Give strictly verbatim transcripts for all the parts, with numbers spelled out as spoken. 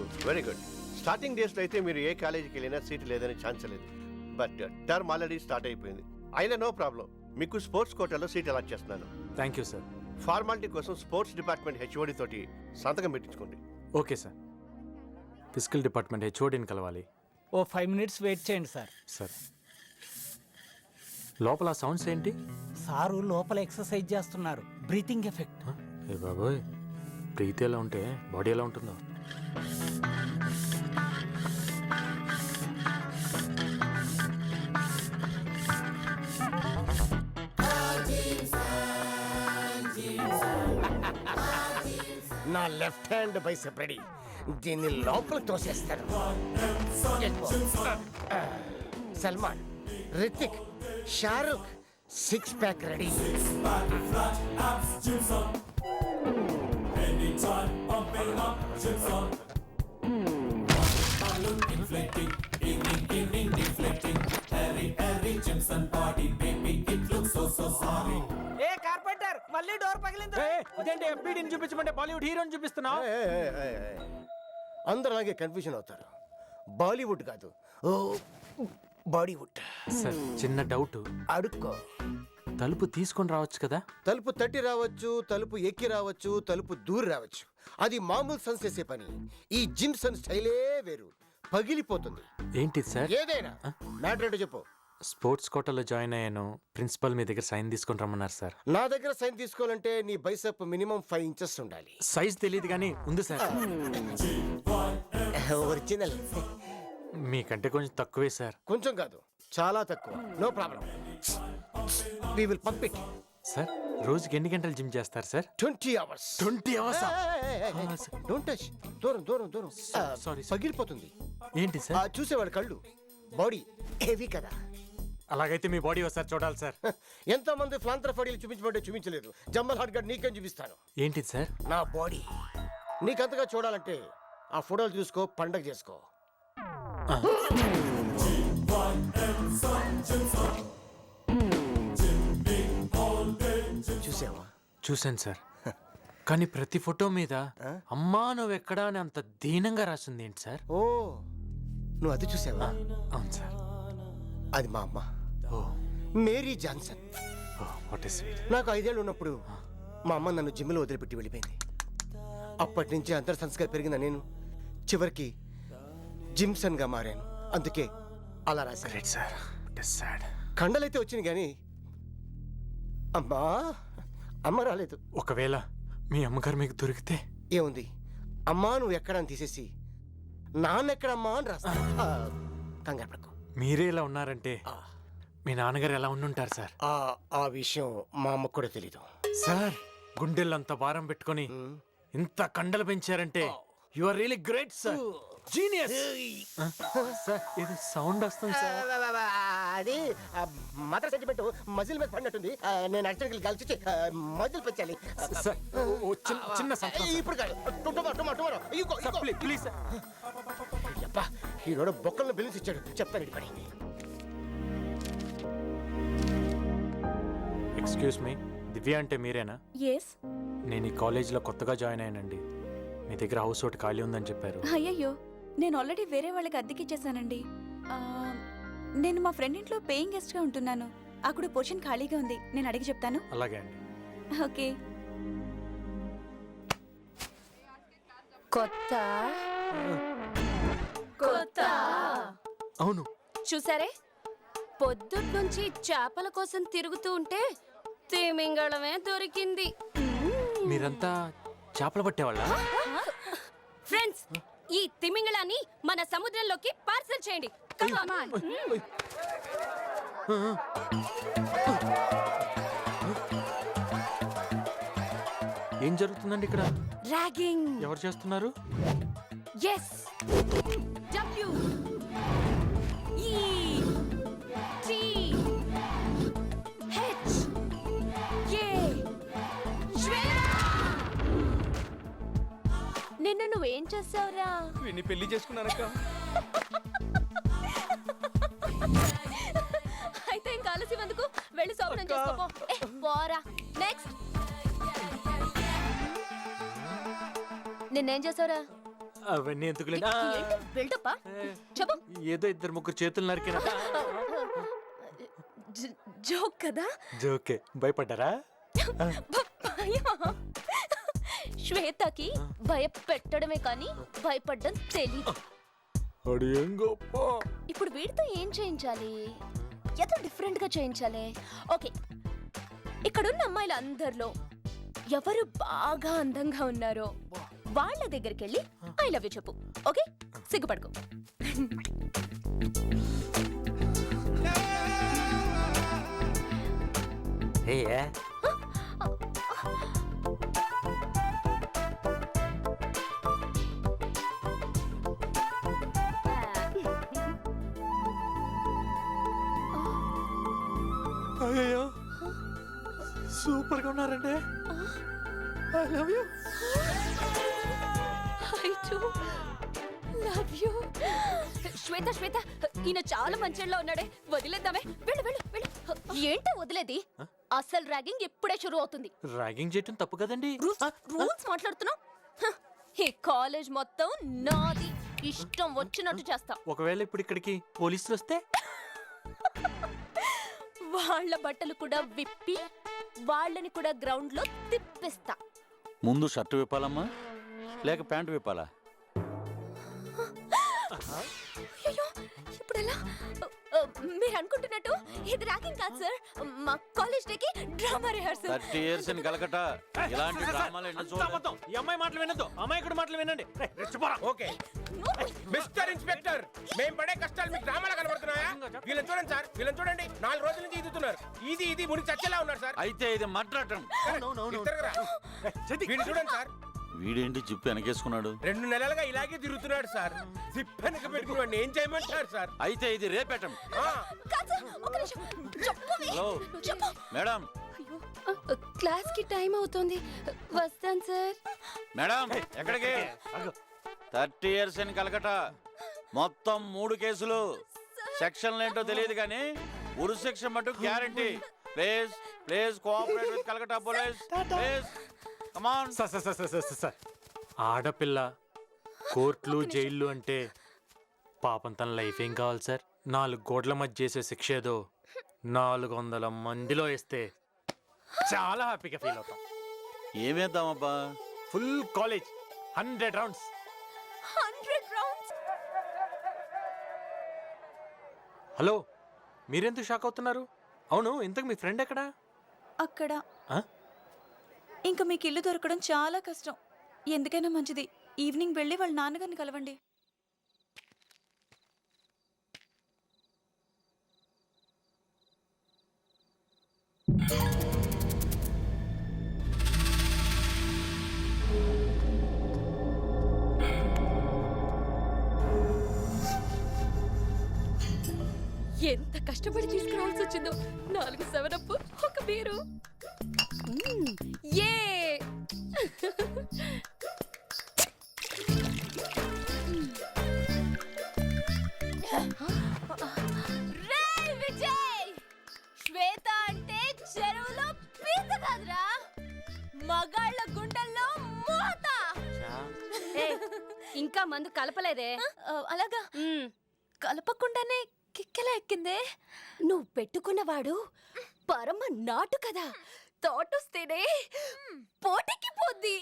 Very good. Starting డేస్లో అయితే మీరు ఏ కాలేజీకి వెళ్ళినా సీట్ లేదని ఛాన్స్ లేదు. బట్ టర్మ్ ఆల్రెడీ స్టార్ట్ అయిపోయింది. అయినా నో ప్రాబ్లం, మీకు స్పోర్ట్స్ కోటాలో సీట్ అలాట్ చేస్తున్నాను. Thank you sir. ఫార్మాలిటీ కోసం స్పోర్ట్స్ డిపార్ట్మెంట్ హెచ్ఓడి తోటి సంతకం పెట్టించుకోండి. Okay sir. ఫిజికల్ డిపార్ట్మెంట్ హెచ్ఓడిని కలవాలి. ఓ ఫైవ్ మినిట్స్ వెయిట్ చేయండి సార్. సార్ లోపల సౌండ్స్ ఏంటి? సారు లోపల ఎక్సర్సైజ్ చేస్తున్నారు, బ్రీతింగ్ ఎఫెక్ట్. ఏ బాబోయ్, బ్రీత్ ఎలా ఉంటే బాడీ ఎలా ఉంటుందో. నా లెఫ్ట్ హ్యాండ్ బైసెప్ రెడీ. దీన్ని లోపల తోసేస్తాను. Salman, Hrithik, Shahrukh six pack ready. ఏ కార్పెంటర్, మళ్ళీ డోర్ పగిలింది. ఇదేంటి ఎంపీడీని చూపించమంటే బాలీవుడ్ హీరోని చూపిస్తున్నావు? అందరూ అలాగే కన్ఫ్యూజన్ అవుతారు. బాలీవుడ్ కాదు, ఓ బాడీవుడ్. సార్ చిన్న డౌట్, అడుక్కో. తలుపు తీసుకొని రావచ్చు కదా? తలుపు తట్టి రావచ్చు, తలుపు ఎక్కి రావచ్చు, తలుపు దూరి రావచ్చు. అది మామూలు సన్స్ చేసే పని. ఈ జిమ్ సన్ స్టైలే వేరు, పగిలిపోతుంది. ఏంటి సార్? ఏదైనా మ్యాటర్ ఏంటో చెప్పు. స్పోర్ట్స్ కోటాలో జాయిన్ అయ్యాను. ప్రిన్సిపల్ మీ దగ్గర సైన్ తీసుకొని రమ్మన్నారు సార్. నా దగ్గర సైన్ తీసుకోవాలంటే నీ బైసెప్ మినిమం ఫైవ్ ఇంచెస్ ఉండాలి. సైజ్ తెలియదు కానీ ఉంది సార్. ఒరిజినల్. మీకంటే కొంచెం తక్కువే సార్. కొంచెం కాదు, చాలా తక్కువ. No problem, we will pump it. Sir రోజుకి ఎన్ని గంటలు జిమ్ చేస్తారు sir? Twenty hours. Twenty hours? Don't touch. దూరం దూరం దూరం. సారీ. పగిలిపోతుంది. ఏంటి సార్? చూసేవాడు కళ్ళు. బాడీ హెవీ కదా. అలాగైతే మీ బాడీ ఒకసారి చూడాలి సార్. ఎంతో మంది ఫ్లాంత్రఫడీలు చూపించబట్టే చూపించలేదు. జమ్మల్ హాట్ గడ్ నీకేం చూపిస్తాను. ఏంటిది సార్? నా బాడీ. నీకంతగా చూడాలంటే ఆ ఫోటోలు చూసుకో, పండగ చేసుకో. చూసావా? చూశాను సార్. కానీ ప్రతి ఫోటో మీద అమ్మా నువ్వు ఎక్కడా అని అంత దీనంగా రాసింది ఏంటి సార్? ఓ, నువ్వు అది చూసావా? అవును సార్. అది మా అమ్మ, oh Mary Johnson. Oh what is sweet. నాకు ఐదేళ్ళు ఉన్నప్పుడు మా అమ్మ నన్ను జిమ్లో వదిలిపెట్టి వెళ్ళిపోయింది. అప్పటి నుంచి అంతర్ సంస్కారం పెరిగిన నేను చివరికి జిమ్సన్గా మారాను. అందుకే అలా రాశాను. Great sir. What is sad. కండలైతే వచ్చింది కానీ అమ్మా అమ్మ రాలేదు. ఒకవేళ మీ అమ్మగారు మీకు దొరికితే? ఏముంది, అమ్మా నువ్వు ఎక్కడ అని తీసేసి నాన్న ఎక్కడమ్మా అని రాస్తా. కంగారు పడకు. మీరే ఇలా ఉన్నారంటే మీ నాన్నగారు ఎలా ఉండుంటారు సార్? ఆ ఆ విషయం మా అమ్మకు కూడా తెలీదు. సార్ గుండెల్లంత భారం పెట్టుకొని ఇంత కండలు పెంచారంటే you are really great sir. Genius. Sir ఇది సౌండ్ వస్తుంది సార్. అది మదర్ సెంటిమెంట్ మజిల్ మీద పడినట్టుంది. నేను యాక్చువల్గా కలిసి మజిల్ పెంచాలి. సార్ ఓ చిన్న చిన్న సంతకం సార్. ఇప్పుడు కాదు, tomorrow tomorrow tomorrow. Sir please please sir. అబ్బా ఈరోడు బొక్కలను బిల్లుసి ఇచ్చాడు. చెప్తాను ఇది పని. ఎక్స్క్యూజ్ మీ, దివ్య అంటే మీరేనా? ఎస్. నేను ఈ కాలేజీలో కొత్తగా జాయిన్ అయ్యానండి. మీ దగ్గర హౌస్ ఒకటి ఖాళీ ఉందని చెప్పారు. అయ్యయ్యో, నేను ఆల్రెడీ వేరే వాళ్ళకి అద్దెకిచ్చేసానండి. ఆ, నేను మా ఫ్రెండ్ ఇంట్లో పేయింగ్ గెస్ట్గా ఉంటున్నాను. అక్కడ పొజిషన్ ఖాళీగా ఉంది, నేను అడిగి చెప్తాను. అలాగే అండి. ఓకే. కొత్త కొత్త అవును. చూసారే, పొద్దున్నుంచి చేపల కోసం తిరుగుతూ ఉంటే తిమింగళమే దొరికింది. మీరంతా చేపలు పట్టేవాళ్ళ? ఫ్రెండ్స్, ఈ తిమింగళాన్ని మన సముద్రంలోకి పార్సల్ చేయండి. Come on. ఏం జరుగుతుందండి ఇక్కడ? ర్యాగింగ్. ఎవరు చేస్తున్నారు? S. W E T H A నిన్ను నువ్వేం చేసావురా? విని పెళ్లి చేసుకున్నానక్క. అయితే ఇంకా ఆలస్యం ఎందుకు, వెళ్ళి శోభనం చేసుకోపో. పోరా. నెక్స్ట్. నిన్నేం చేసావురా? అవన్నీ ఎందుకులేండి ఆ, బిల్డప్ చెప్పు ఏదో ఇద్దరు ముగ్గురు చేతులు నరికిన జోక్ కదా జోకే భయపడ్డారా భయమా? శ్వేతకి భయపెట్టడమే కానీ భయపడ్డం తెలీదు. అడి ఏం గొప్ప ఇప్పుడు వీడితో ఏం చేయించాలి? ఏదో డిఫరెంట్ గా చేయించాలి. ఓకే, ఇక్కడున్న అమ్మాయిల అందరిలో ఎవరు బాగా అందంగా ఉన్నారో వాళ్ళ దగ్గరికి వెళ్ళి ఐ లవ్ యూ చెప్పు. ఓకే, సిగ్గుపడుకో. ఏ అయ్యో సూపర్ గా ఉన్నారండి I love you I do love you. Shweta Shweta ఈయన చాలా మంచిలో ఉన్నాడే, వదిలేద్దామే. వెళ్ళు వెళ్ళు వెళ్ళు. ఏంటో వదిలేది? అసలు ర్యాగింగ్ ఎప్పుడే షురు అవుతుంది. ర్యాగింగ్ చేయటం తప్పు కదండి రూల్స్ మాట్లాడుతున్నావు? హ, ఈ కాలేజ్ మొత్తం నాది, ఇష్టం వచ్చినట్టు చేస్తా. ఒకవేళ ఇప్పుడు ఇక్కడికి పోలీసులు వస్తే వాళ్ళ బట్టలు కూడా విప్పి వాళ్ళని కూడా గ్రౌండ్ లో తిప్పిస్తా. ముందు షర్టు విప్పాలమ్మా లేక ప్యాంటు విప్పాలా? అయ్యో ఇప్పుడు ఎలా? మీరు అనుకుంటున్నట్టు ఇది ర్యాగింగ్ కాదు సార్, మా కాలేజ్ డేకి drama rehearsal. Thirty years in Calcutta ఇలాంటి డ్రామాలు ఎన్నో చూడలేదు. ఈ అమ్మాయి మాటలు వినొద్దు, అమ్మాయి కూడా మాటలు వినండి. రేయ్, రెచ్చిపోరా. ఓకే మిస్టర్ ఇన్స్పెక్టర్, మేము పడే కష్టాలు మీకు డ్రామాలో కనబడుతున్నాయా? వీళ్ళని చూడండి సార్, వీళ్ళని చూడండి. నాలుగు రోజుల నుంచి ఇదుతున్నారు. ఇది ఇది ముని చచ్చేలా ఉన్నారు సార్. అయితే ఇది మట్రాటం. తిరగరా. వీడిని చూడండి సార్, వీడేంటి జిప్పు వెనకేసుకున్నాడు? రెండు నెలలుగా ఇలాగే తిరుగుతున్నాడు సార్. జిప్ వెనక పెట్టుకుని ఏం చేయమంటారు సార్? అయితే ఇది రేపేటం. ఆ, కాదు సార్, ఒక నిమిషం. చెప్పవే. హలో చెప్పు. మేడం, క్లాస్ కి టైం అవుతుంది, వస్తాను సార్. మేడం ఎక్కడికి? థర్టీ ఇయర్స్ ఇన్ కలకట్టా మొత్తం మూడు కేసులు. సెక్షన్లు ఏంటో తెలియదు కానీ ఉరు సెక్షన్ మటు guarantee. Please please cooperate with Calcutta police please. Come on. Sir sir sir sir sir sir ఆడపిల్ల కోర్టులు జైళ్ళు అంటే పాపం తన లైఫ్ ఏం కావాలి సార్? నాలుగు గోడ్ల మధ్య చేసే శిక్ష ఏదో నాలుగు వందల మందిలో వేస్తే చాలా హ్యాపీగా ఫీల్ అవుతాం. ఏమేద్దామబ్బా? Full college hundred rounds. Hundred rounds. Hello, మీరెందుకు షాక్ అవుతున్నారు? అవును, ఇంతకు మీ ఫ్రెండ్ ఎక్కడా? అక్కడ ఆ? ఇంకా మీకు ఇల్లు దొరకడం చాలా కష్టం. ఎందుకైనా మంచిది ఈవినింగ్ వెళ్ళి వాళ్ళ నాన్నగారిని కలవండి. ఎంత కష్టపడి తీసుకురావాల్సి వచ్చిందో. నాలుగు సెవెనప్, ఒక బీరు. మ్మ్, యే. రేయ్ విజయ్, శ్వేత అంటే చెరువులో పీత కాదురా, మగాళ్ళ గుండెల్లో మూత. ఇంకా మందు కలపలేదే? ఆ, అలాగా కలపకుండానే కిక్కెలా ఎక్కిందే. నువ్వు పెట్టుకున్నవాడు పరమ నాటు కదా, తోటొస్తేనే పోటీకి పోద్ది.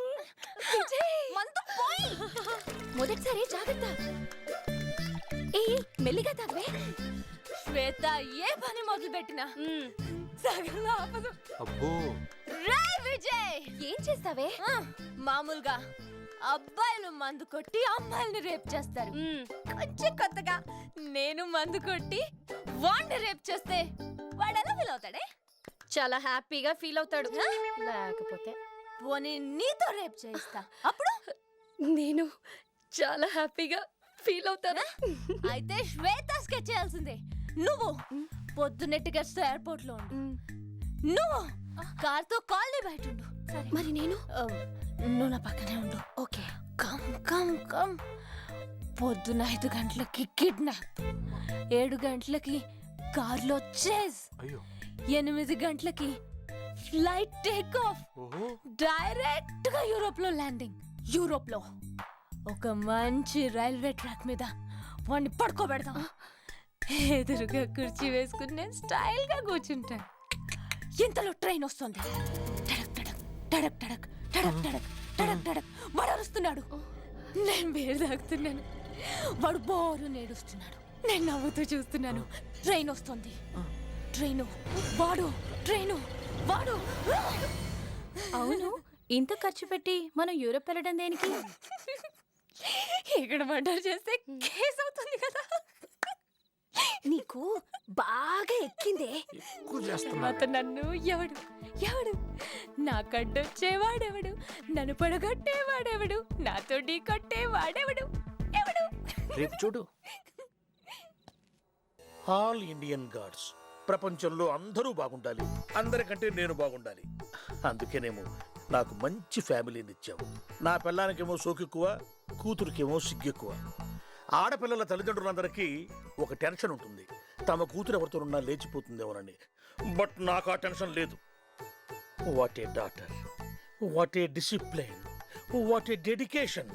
మందు పోయి. మొదటిసారి జాగ్రత్త. ఏ మెల్లిగా తాగవే. శ్వేత ఏ పని మొదలు పెట్టినా సగంలో ఆపదు. అబ్బో, రేయ్ విజయ్, ఏం చేస్తావే? మామూలుగా అబ్బాయిలు మందు కొట్టి అమ్మాయిల్ని రేప్ చేస్తారు. కొంచెం కొత్తగా నేను మందు కొట్టి వాడిని రేప్ చేస్తే వాడు ఎలా ఫీల్ అవుతాడే? చాలా హ్యాపీగా ఫీల్ అవుతాడు. లేకపోతే పోనీ నీతో రేప్ చేయిస్తా, అప్పుడు నేను చాలా హ్యాపీగా ఫీల్ అవుతాను. అయితే శ్వేత స్కెచ్ చేయాల్సిందే. నువ్వు పొద్దున్నట్టుగా ఎయిర్పోర్ట్ లో ఉండు, నువ్వు కార్తో కాలనీ బయట ఉండు. మరి నేను నువ్వు నా పక్కనే ఉండు. Okay, come come come. పొద్దున ఐదు గంటలకి కిడ్నాప్, ఏడు గంటలకి కార్లో చేజ్, అయ్యో, ఎనిమిది గంటలకి ఫ్లైట్ టేక్ ఆఫ్, ఓహో, డైరెక్ట్ గా యూరోప్ లో ల్యాండింగ్. యూరోప్ లో ఒక మంచి రైల్వే ట్రాక్ మీద వాడిని పడుకోబెడదాం. ఎదురుగా కుర్చీ వేసుకుని నేను స్టైల్ గా కూర్చుంటాను. ఇంతలో ట్రైన్ వస్తుంది. టడక్ టడక్ టడక్ టడక్ టడక్ టడక్ టడక్ టడక్ వాడు అరుస్తున్నాడు. నేను బేరు తాగుతున్నాను. వాడు బోరు నేడుస్తున్నాడు. నేను నవ్వుతూ చూస్తున్నాను. ట్రైన్ వస్తుంది. ట్రైను వాడు ట్రైను వాడు. అవును, ఇంత ఖర్చు పెట్టి మనం యూరోప్ వెళ్ళడం దేనికి? ఇక్కడ మర్డర్ చేస్తే కేసు అవుతుంది కదా. నీకు బాగా ఎక్కిందే. ఎక్కువ చేస్తున్నా. అతను నన్ను ఎవడు ఎవడు నా కడ్డొచ్చేవాడెవడు, నన్ను పడగొట్టేవాడెవడు, నాతో ఢీ కొట్టేవాడెవడు ఎవడు? రేపు చూడు. ఆల్ ఇండియన్ గాడ్స్, ప్రపంచంలో అందరూ బాగుండాలి, అందరికంటే నేను బాగుండాలి. అందుకేనేమో నాకు మంచి ఫ్యామిలీని ఇచ్చావు. నా పిల్లానికేమో సోకెక్కువ, కూతురికేమో సిగ్గెక్కువ. ఆడపిల్లల తల్లిదండ్రులందరికీ ఒక టెన్షన్ ఉంటుంది, తమ కూతురు ఎవరితోనున్నా లేచిపోతుందేమోనని. బట్ నాకు ఆ టెన్షన్ లేదు. What a daughter, what a discipline, what a dedication.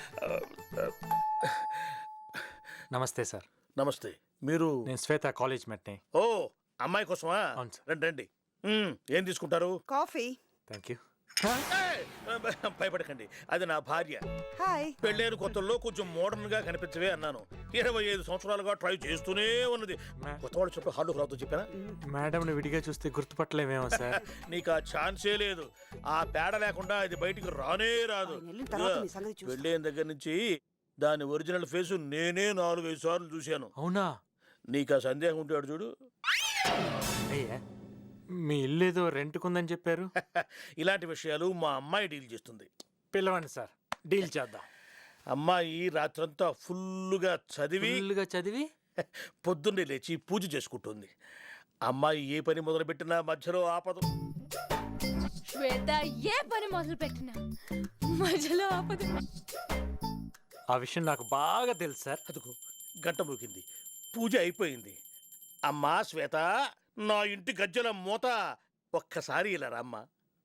నమస్తే సార్. నమస్తే. మీరు? నేను శ్వేత కాలేజ్ మెట్ని. ఓ, అమ్మాయి కోసమా? అవును సార్. రండి రండి. మ్మ్, ఏం తీసుకుంటారు? కాఫీ. Thank you. ఏయ్, భయపడకండి, అది నా భార్య. హాయ్. పెళ్ళైన కొత్తల్లో కొంచెం మోడర్న్ గా కనిపించవే అన్నాను. ఇరవై ఐదు సంవత్సరాలుగా ట్రై చేస్తూనే ఉన్నది. మా- కొత్త వాళ్ళు చెప్పి హార్డు రావుతో చెప్పానా? మేడంని విడిగా చూస్తే గుర్తుపట్టలేమేమో సార్. నీకు ఆ ఛాన్సే లేదు. ఆ పేడ లేకుండా ఇది బయటికి రానే రాదు. ఆయన వెళ్ళిన తర్వాత నీ సంగతి చూస్తా. పెళ్ళైన దగ్గర నుంచి దాని ఒరిజినల్ ఫేసు నేనే నాలుగైదు సార్లు చూశాను. అవునా? నీకు ఆ సందేహం ఉంటాడు చూడు. అయ్యా, మీ ఇల్లు ఏదో రెంట్కుందని చెప్పారు. ఇలాంటి విషయాలు మా అమ్మాయి డీల్ చేస్తుంది. పిలవండి సార్, డీల్ చేద్దాం. అమ్మాయి రాత్రంతా ఫుల్లుగా చదివి ఫుల్గా చదివి పొద్దున్నే లేచి పూజ చేసుకుంటుంది. అమ్మాయి ఏ పని మొదలుపెట్టినా మధ్యలో ఆపదు. శ్వేత ఏ పని మొదలు పెట్టినా మధ్యలో ఆపదు. ఆ విషయం నాకు బాగా తెలుసు సార్. అదుగో గంట మోగింది, పూజ అయిపోయింది. అమ్మా శ్వేత, నా ఇంటి గజ్జల మూత ఒక్కసారి ఇలా రామ్మా.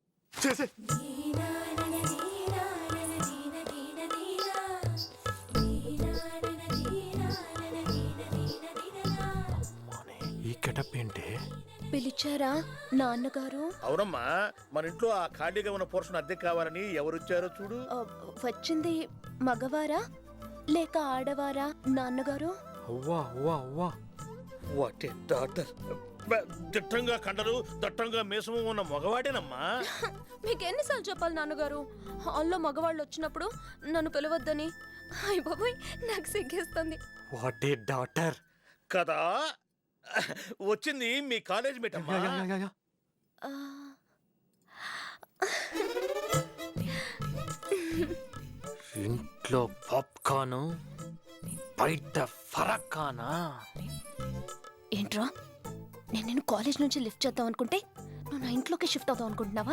ఈ గెటప్ ఏంటి? పిలిచారా నాన్నగారు? అవునమ్మా, మన ఇంట్లో ఆ ఖాళీగా ఉన్న పోర్షన్ అద్దె కావాలని ఎవరొచ్చారో చూడు. ఆ, వచ్చింది మగవారా లేక ఆడవారా నాన్నగారు? అవ్వా అవ్వా అవ్వా. What a daughter. దిట్టంగా కండలు, దట్టంగా మీసము ఉన్న మగవాడేనమ్మా. మీకు ఎన్నిసార్లు చెప్పాలి నాన్నగారు, హాల్లో మగవాళ్ళు వచ్చినప్పుడు నన్ను పిలవద్దని? అయ్య బాబోయ్, నాకు సిగ్గేస్తుంది. What a daughter. కదా, వచ్చింది మీ కాలేజ్ మేట్ అమ్మా. ఆ, ఇంట్లో పాప్కార్న్, బయట ఫరక్కానా? ఏంట్రా, నేను నేను కాలేజ్ నుంచి లిఫ్ట్ చేద్దాం అనుకుంటే నువ్వు నా ఇంట్లోకి షిఫ్ట్ అవుతావు అనుకుంటున్నావా?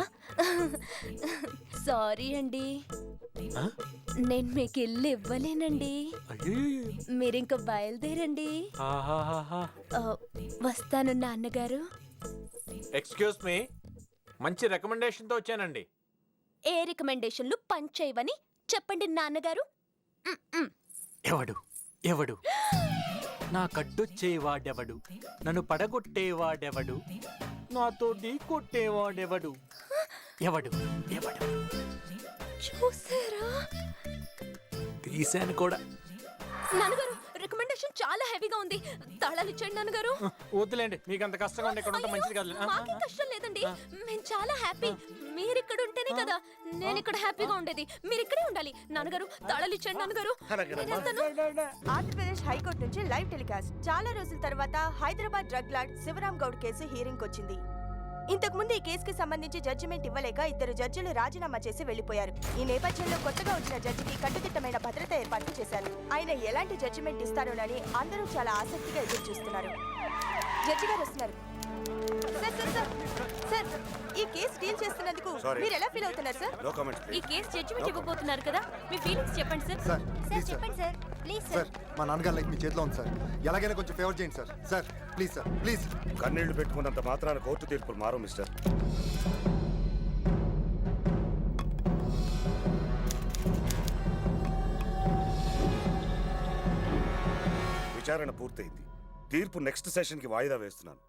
సారీ అండి, ఆ? నేను మీకు ఇల్లు ఇవ్వలేనండి. అయ్యయ్యో. మీరింక బయలుదేరండి. ఆహాహాహా. ఆ, వస్తాను నాన్నగారు. ఎక్స్క్యూజ్ మీ, మంచి రికమెండేషన్తో వచ్చానండి. ఏ రికమెండేషన్లు పంచేయవని చెప్పండి నాన్నగారు. మ్, మ్. ఎవడు ఎవడు నా కడ్డొచ్చేవాడెవడు, నన్ను పడగొట్టేవాడెవడు, నాతో ఢీ కొట్టేవాడెవడు, ఎవడు ఎవడు? చూసారా తీశాను కూడా. నాన్నగారు, రికమెండేషన్ చాలా హెవీగా ఉంది. తాళాలు ఇచ్చండి నాన్నగారు. వద్దులేండి, మీకు అంత కష్టంగా ఉంటే ఇక్కడ ఉంటే మంచిది కాదు. అయ్యో, మాకేం కష్టం లేదండి, మేము చాలా హ్యాపీ. మీరు ఇక్కడ ఉంటేనే కదా నేను ఇక్కడ హ్యాపీగా ఉండేది. మీరు ఇక్కడే ఉండాలి నాన్నగారు. తాళాలు ఇచ్చండి నాన్నగారు. నేను వెళ్తాను. ఆంధ్రప్రదేశ్ హైకోర్టు నుంచి లైవ్ టెలికాస్ట్. చాలా రోజుల తర్వాత Hyderabad drug lord Shivaram Goud case hearing వచ్చింది. ఇంతకు ముందు ఈ కేసుకి సంబంధించి జడ్జిమెంట్ ఇవ్వలేక ఇద్దరు జడ్జిలు రాజీనామా చేసి వెళ్లిపోయారు. ఈ నేపథ్యంలో కొత్తగా వచ్చిన జడ్జికి కట్టుదిట్టమైన భద్రత ఏర్పాట్లు చేశారు. ఆయన ఎలాంటి జడ్జిమెంట్ ఇస్తారోనని అందరూ చాలా ఆసక్తిగా ఎదురు చూస్తున్నారు. జడ్జి గారు వస్తున్నారు. సార్ సార్ సార్ సార్ ఈ కేసు డీల్ చేస్తున్నందుకు మీరు ఎలా ఫీల్ అవుతున్నారు సార్? నో కామెంట్స్ ఈ కేసు జడ్జిమెంట్ ఇవ్వబోతున్నారు కదా, మీ ఫీలింగ్స్ చెప్పండి sir. Sir sir please sir చెప్పండి సార్, ప్లీజ్ సార్ సార్. మా నాన్నగారు లైక్ మీ చేతిలో ఉంది సార్, ఎలాగైనా కొంచెం ఫేవర్ చేయండి sir. Sir please sir please. కన్నీళ్లు పెట్టుకున్నంత మాత్రాన కోర్టు తీర్పులు మారు మిస్టర్. విచారణ పూర్తయింది. తీర్పు నెక్స్ట్ సెషన్కి వాయిదా వేస్తున్నాను.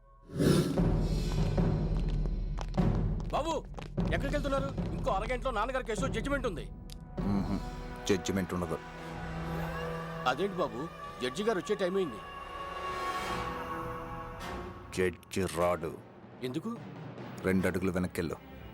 బాబు ఎక్కడికి వెళ్తున్నారు? ఇంకో అరగంటలో నాన్నగారి కేసు జడ్జిమెంట్ ఉంది. జడ్జిమెంట్ ఉండదు. అదేంటి బాబు, జడ్జి గారు వచ్చే టైం అయింది. జడ్జి రాడు. ఎందుకు? రెండు అడుగులు వెనక్కెళ్ళు.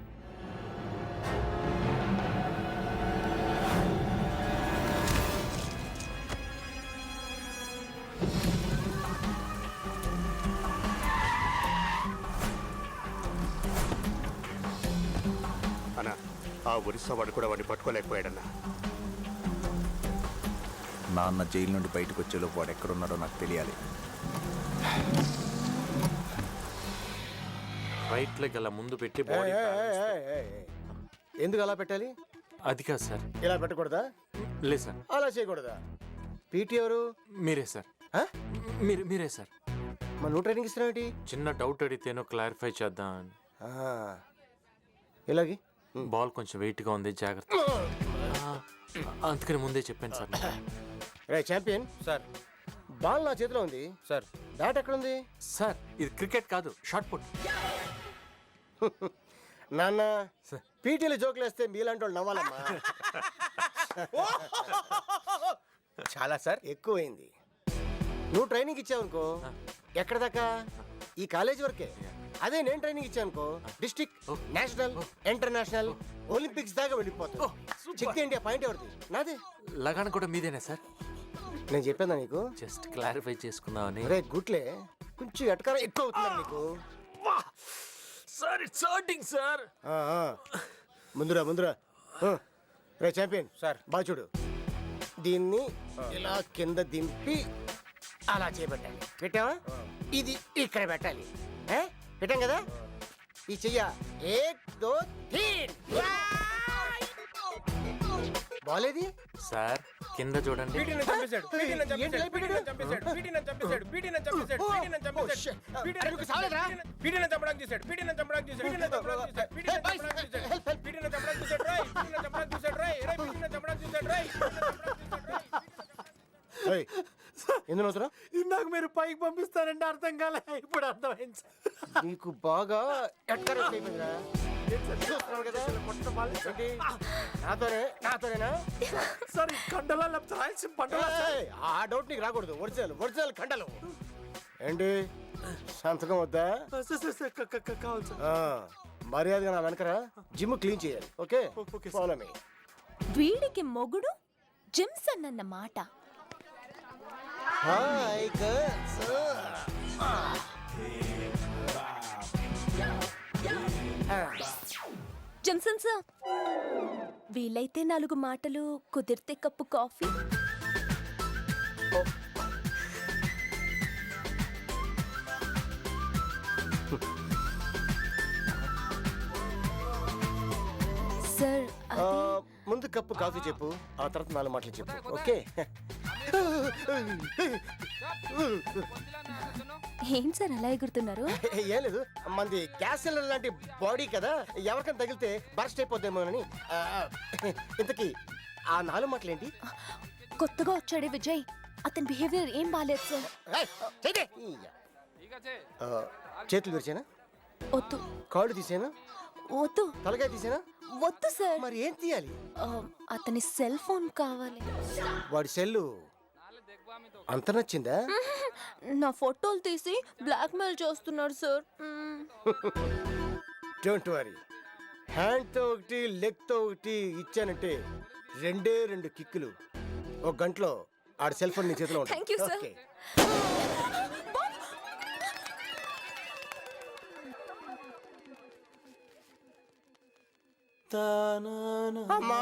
అన్నా, ఆ ఒరిస్సా వాడు కూడా వాడిని పట్టుకోలేకపోయాడన్నా. నాన్న జైలు నుండి బయటకు వచ్చేలోపు వాడు ఎక్కడున్నాడో నాకు తెలియాలి. రైట్ లెగ్ అలా ముందు పెట్టి బాడీ బ్యాలెన్స్ తో- ఎందుకు అలా పెట్టాలి? అది కాదు సార్. ఇలా పెట్టకూడదా? లేదు సార్. అలా చేయకూడదా? పీటీ ఎవరు? మీరే సార్. ఆ? మీరు మీరే సార్. మన నువ్వు ట్రైనింగ్ ఇస్తున్నావు? చిన్న డౌట్ అడిగితేనో క్లారిఫై చేద్దాం అని. ఇలాగే బాల్ కొంచెం వెయిట్గా ఉంది, జాగ్రత్త. ఆ, అందుకని ముందే చెప్పాను సార్. రే ఛాంపియన్ సార్. బాల్ నా చేతిలో ఉంది సార్. బ్యాట్ ఎక్కడుంది? సార్ ఇది క్రికెట్ కాదు, షార్ట్ పుట్. నాన్న పీటీలు జోకులు వేస్తే మీలాంటి వాళ్ళు నవ్వాలమ్మా. చాలా సార్ ఎక్కువైంది. నువ్వు ట్రైనింగ్ ఇచ్చావనుకో ఎక్కడ దాకా? ఈ కాలేజ్ వరకే. అదే నేను ట్రైనింగ్ ఇచ్చానుకో డిస్ట్రిక్ట్, నేషనల్, ఇంటర్నేషనల్, ఒలింపిక్స్ దాకా వెళ్ళిపోతావు. చెక్ ఇండియా పాయింట్ ఎవరిది? నాదే. లగాన్ కూడా మీదేనా సార్? నేను చెప్పాను నీకు, జస్ట్ క్లారిఫై చేసుకుందామని. రే గుట్లే కొంచెం ఎటకారం ఎక్కువ అవుతున్నారు నీకు. Sir it's hurting sir. ఆ, ఆ. ముందురా ముందురా. ఆ. రే ఛాంపియన్ సార్. బాగా చూడు, దీన్ని ఇలా కింద దింపి అలా చేయబెట్టాలి. పెట్టావా? ఇది ఇక్కడ పెట్టాలి. ఏ? పెట్టాం కదా? ఈ చెయ్య ఏక్ దో తీన్. బాలేది సార్ కింద చూడండి. ఎందుకు అవుతున్నా? ఇందాక మీరు పైకి పంపిస్తారంటే అర్థం కాలే, ఇప్పుడు అర్థమైంది సార్. నీకు బాగా ఎట్కరెక్ట్ అయిపోయిందిరా. చూస్తున్నావు కదా? ఏంటి? నాతోనే నాతోనేనా? సార్ ఈ కండలా లేకపోతే రాయలసీమ పంటలా? ఏయ్, ఆ డౌట్ నీకు రాకూడదు. ఒరిజినల్ ఒరిజినల్ కండలు. ఏంటి సంతకం వద్దా? కావాలి సార్. ఆ, మర్యాదగా నా వెనకరా. జిమ్ క్లీన్ చేయాలి. Okay okay sir. Follow me. వీడికి మొగుడు జిమ్సన్ అన్న మాట. Hi girls. జిమ్సన్ సార్, వీలైతే నాలుగు మాటలు, కుదిరితే కప్పు కాఫీ. సార్ ఆ, ముందు కప్పు కాఫీ చెప్పు, ఆ తర్వాత నాలుగు మాటలు చెప్పు. ఓకే? ఏం సార్ అలా ఎగురుతున్నారు? ఏం లేదు, మంది గ్యాస్ సిలిండర్ లాంటి బాడీ కదా, ఎవరికైనా తగిలితే బర్స్ట్ అయిపోద్దేమోనని. ఆ, ఇంతకీ ఆ నాలుగు మాటలు ఏంటి? కొత్తగా వచ్చాడే విజయ్, అతని బిహేవియర్ ఏం బాలేదు సార్. ఏయ్, చెయ్యి. ఆ, చేతులు విరిచేనా? వద్దు. కాళ్ళు తీసేనా? వద్దు. తలకాయ తీసేనా? వద్దు సార్. మరి ఏం తీయాలి? ఆ, అతని సెల్ ఫోన్ కావాలి. వాడి సెల్లు అంత నచ్చిందా? నా ఫోటోలు తీసి బ్లాక్మెయిల్ చేస్తున్నాడు సార్. డోంట్ వరీ, హ్యాండ్తో ఒకటి లెగ్తో ఒకటి ఇచ్చానంటే రెండే రెండు కిక్కులు ఒక గంటలో ఆడి సెల్ ఫోన్ నీ చేతిలో ఉంటుంది. Thank you, sir. ఓకే. అమ్మా!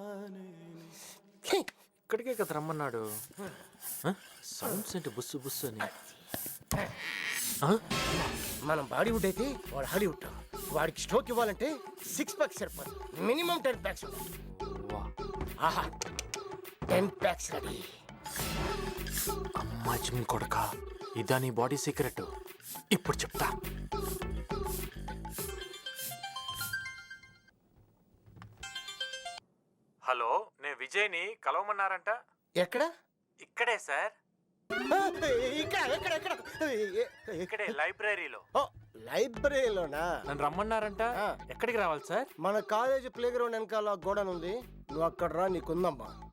ఇక్కడికే కదా రమ్మన్నాడు. సౌండ్స్ ఏంటి బుస్సు బుస్సు అని? ఆ? మనం బాడీవుడ్ అయితే వాడు హాలీవుడ్. వాడికి స్ట్రోక్ ఇవ్వాలంటే సిక్స్ ప్యాక్స్ సరిపోదు, మినిమం టెన్ ప్యాక్స్. వా, ఆహా, టెన్ ప్యాక్స్ రెడీ. అమ్మా జిమ్ కొడక, ఇదా నీ బాడీ సీక్రెట్? ఇప్పుడు చెప్తా. హలో, నేను విజయ్ని కలవమన్నారంట. ఎక్కడ? ఇక్కడే సార్. ఆ, ఇక్కడ ఇక్కడ ఇక్కడ ఏ- ఏ- ఇక్కడే లైబ్రరీలో ఓ, లైబ్రరీలోనా? నన్ను రమ్మన్నారంట. ఆ. ఎక్కడికి రావాలి సార్? మన కాలేజ్ ప్లే గ్రౌండ్ వెనకాల గోడను ఉంది, నువ్వు అక్కడ రా, నీకుందమ్మా.